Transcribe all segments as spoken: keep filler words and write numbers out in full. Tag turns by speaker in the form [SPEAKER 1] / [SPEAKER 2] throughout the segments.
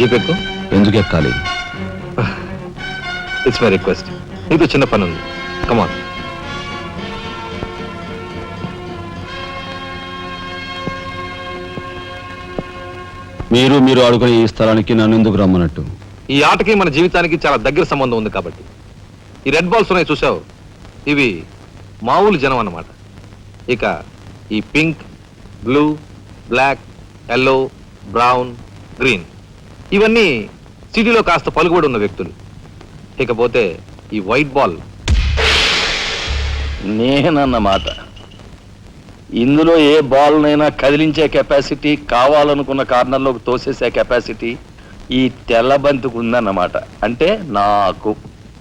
[SPEAKER 1] Jeep ఎక్కు.
[SPEAKER 2] ఎందుకు ఎక్కాలి?
[SPEAKER 1] It's my request. నీతో చిన్న పని ఉంది. కమాన్.
[SPEAKER 2] మీరు మీరు ఆడుకునే ఈ స్థలానికి నన్ను ఎందుకు రమ్మన్నట్టు?
[SPEAKER 1] ఈ ఆటకి మన జీవితానికి చాలా దగ్గర సంబంధం ఉంది కాబట్టి. ఈ రెడ్ బాల్స్ ఉన్నాయి చూసావు, ఇవి మామూలు జనం అన్నమాట. ఇక ఈ pink, blue, black, yellow, brown, green ఇవన్నీ సిటీలో కాస్త పలుకుబడి ఉన్న వ్యక్తులు. ఇకపోతే ఈ వైట్ బాల్
[SPEAKER 3] నేనన్నమాట. ఇందులో ఏ బాల్నైనా కదిలించే కెపాసిటీ, కావాలనుకున్న కార్నర్లోకి తోసేసే కెపాసిటీ ఈ తెల్ల బంతికి ఉందన్నమాట. అంటే నాకు.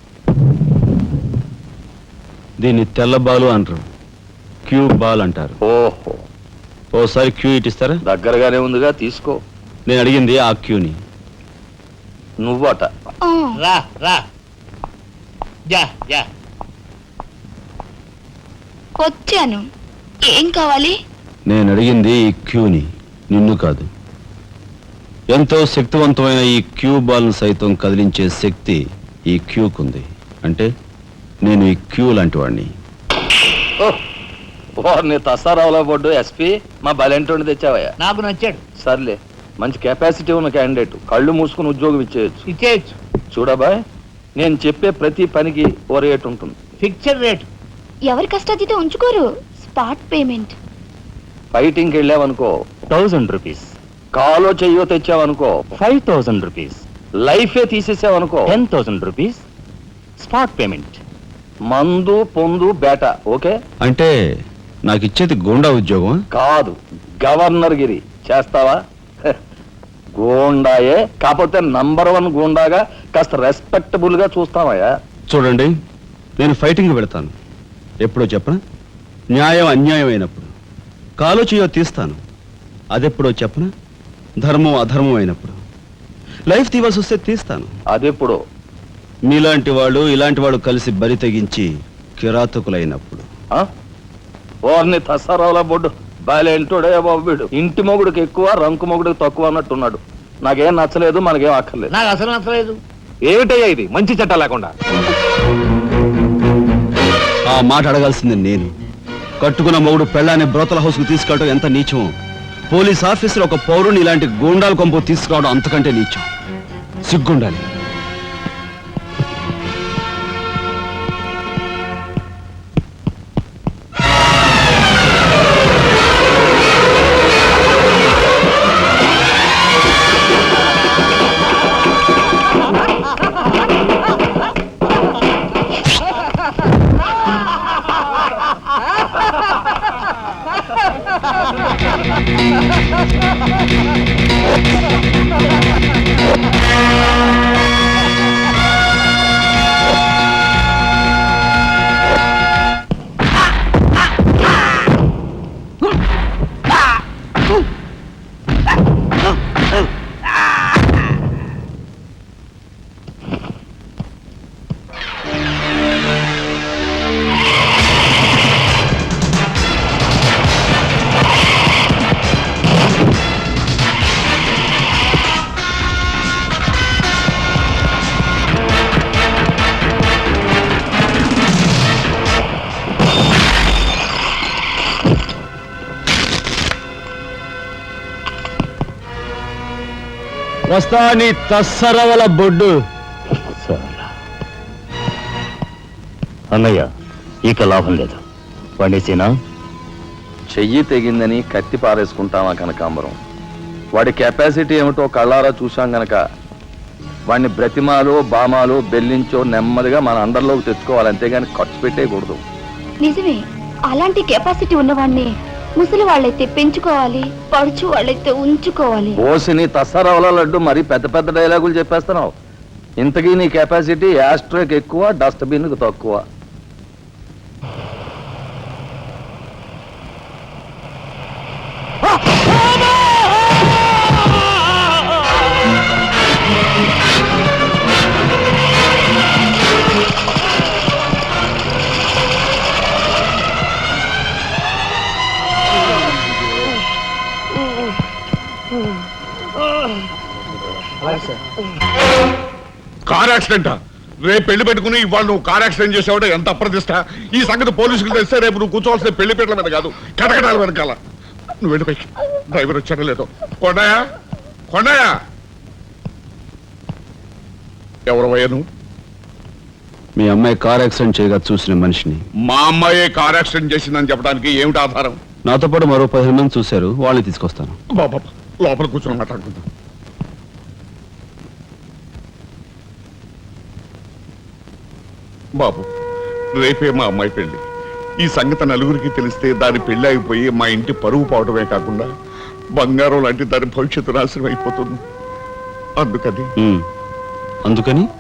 [SPEAKER 2] దీన్ని తెల్ల బాలు అంటారు, క్యూ బాల్ అంటారు.
[SPEAKER 3] ఓహో,
[SPEAKER 2] ఓసారి క్యూ ఇటిస్తారా?
[SPEAKER 3] దగ్గరగానే ఉందిగా, తీసుకో.
[SPEAKER 2] నేను అడిగింది ఆ క్యూని.
[SPEAKER 3] నువ్వట.
[SPEAKER 4] రా రా యా యా
[SPEAKER 5] వచ్చాను. ఏం కావాలి?
[SPEAKER 2] నేను అడిగింది ఈ క్యూని, నిన్ను కాదు. ఎంతో శక్తివంతమైన ఈ క్యూ బాల్ను సైతం కదిలించే శక్తి ఈ క్యూకుంది. అంటే నేను ఈ క్యూ లాంటి వాడిని.
[SPEAKER 3] వారిని తసారావులో పడ్డు ఎస్పీ మా బలెంటోని తెచ్చావయ్యా.
[SPEAKER 4] నాకు నచ్చాడు.
[SPEAKER 3] సర్లే, మంచి కెపాసిటీ ఉన్న క్యాండిడేట్. కళ్ళు మూసుకుని ఉద్యోగం ఇచ్చేయచ్చు.
[SPEAKER 4] ఇచ్చేయచ్చు.
[SPEAKER 3] చూడబాయ్, నేను చెప్పే ప్రతి పనికి ఓ రేట్ ఉంటుంది.
[SPEAKER 4] Fixed rate.
[SPEAKER 5] ఎవరి కష్టాతీత ఉంచుకోరు. Spot payment.
[SPEAKER 3] ఫైటింగ్కి వెళ్ళావనుకో థౌజండ్ రూపీస్. కాలో చెయ్యో తెచ్చావనుకో ఫైవ్ థౌజండ్ రూపీస్. లైఫే తీసేసావనుకో ten thousand rupees spot payment. మందు పొందు బేట. ఓకే?
[SPEAKER 2] అంటే నాకు ఇచ్చేది గూండా ఉద్యోగం
[SPEAKER 3] కాదు, గవర్నర్ గిరి. చేస్తావా? గూండాయే, కాకపోతే నంబర్ వన్ గూండాగా కాస్త రెస్పెక్టబుల్ గా చూస్తావయ్యా.
[SPEAKER 2] చూడండి, నేను ఫైటింగ్ పెడతాను. ఎప్పుడో చెప్పనా? న్యాయం అన్యాయం అయినప్పుడు. కాలో చేయో తీస్తాను. అదెప్పుడో చెప్పనా? ధర్మం అధర్మం అయినప్పుడు. లైఫ్ తీవాల్సి వస్తే తీస్తాను.
[SPEAKER 3] అదెప్పుడు?
[SPEAKER 2] మీలాంటి వాళ్ళు ఇలాంటి వాళ్ళు కలిసి బరి తెగించి కిరాతకులైనప్పుడు.
[SPEAKER 3] వారిని తసారావుల బొడ్డు బాలేంటోడే బాబు. వీడు ఇంటి మొగుడికి ఎక్కువ, రంకు మొగుడికి తక్కువ అన్నట్టున్నాడు. నాకేం నచ్చలేదు, మనకేం అక్కర్లేదు.
[SPEAKER 4] నాకు అసలు నచ్చలేదు.
[SPEAKER 1] ఏమిటయ్యా ఇది? మంచి చట్టం లేకుండా.
[SPEAKER 2] ఆ మాట అడగాల్సింది నేను. కట్టుకున్న మొగుడు పెళ్ళాన్ని బ్రోతల హౌస్ కు తీసుకెళ్ళడం ఎంత నీచమో, పోలీస్ ఆఫీసర్ ఒక పౌరుని ఇలాంటి గూండాల కొంపు తీసుకురావడం అంతకంటే నీచం. సిగ్గుండాలి. వస్తా నీ తస్సరవల బొడ్డు.
[SPEAKER 3] అన్నయ్య, ఇక లాభం లేదు. పండేసేనా? చెయ్యి తెగిందని కత్తి పారేసుకుంటామా కనకాంబరం? వాడి కెపాసిటీ ఏమిటో కళ్ళారా చూశాం గనక వాడిని బ్రతిమాలో బామాలో బెల్లించో నెమ్మదిగా మన అండర్లోకి తెచ్చుకోవాలి, అంతేగాని ఖర్చు పెట్టేయకూడదు.
[SPEAKER 5] నిజమే, అలాంటి కెపాసిటీ ఉన్నవాడిని ముసలి వాళ్ళైతే పెంచుకోవాలి, పడుచు వాళ్ళైతే ఉంచుకోవాలి.
[SPEAKER 3] ఓసిని తస్సరవల లడ్డు మరి పెద్ద పెద్ద డైలాగులు చెప్పేస్తున్నావు. ఇంతకీ నీ కెపాసిటీ యాస్ట్రోకి ఎక్కువ, డస్ట్బిన్ కు తక్కువ.
[SPEAKER 6] కార్ యాక్సిడెంటా? రేపు పెళ్లి పెట్టుకుని ఇవాళ నువ్వు కార్ యాక్సిడెంట్ చేసావుంటే ఎంత అప్రదిష్ట. ఈ సంగతి పోలీసులు తెస్తే రేపు నువ్వు కూర్చోవాల్సిన పెళ్లి పీటల మీద కాదు, కటకటాల వెనకాల. నువ్వు వెళ్ళిపోయి డ్రైవర్ వచ్చాడో లేదో. కొండయా కొండయా ఎవరవయ్యా నువ్వు?
[SPEAKER 2] మీ అమ్మాయి కార్ యాక్సిడెంట్ చేయగా చూసిన మనిషిని.
[SPEAKER 6] మా అమ్మాయి కార్ యాక్సిడెంట్ చేసిందని చెప్పడానికి ఏమిటి ఆధారం?
[SPEAKER 2] నాతో పాటు మరో పదిహేను మంది చూశారు, వాళ్ళని తీసుకొస్తాను.
[SPEAKER 6] బాబా లోపల కూర్చొని మాట్లాడుకుందాం. బాబు, రేపే మా అమ్మాయి పెళ్లి. ఈ సంగతి నలుగురికి తెలిస్తే దాని పెళ్లి అయిపోయి మా ఇంటి పరువు పోవడమే కాకుండా బంగారం లాంటి దాని భవిష్యత్తు నాశనం అయిపోతుంది. అందుకని
[SPEAKER 2] ఉమ్. అందుకని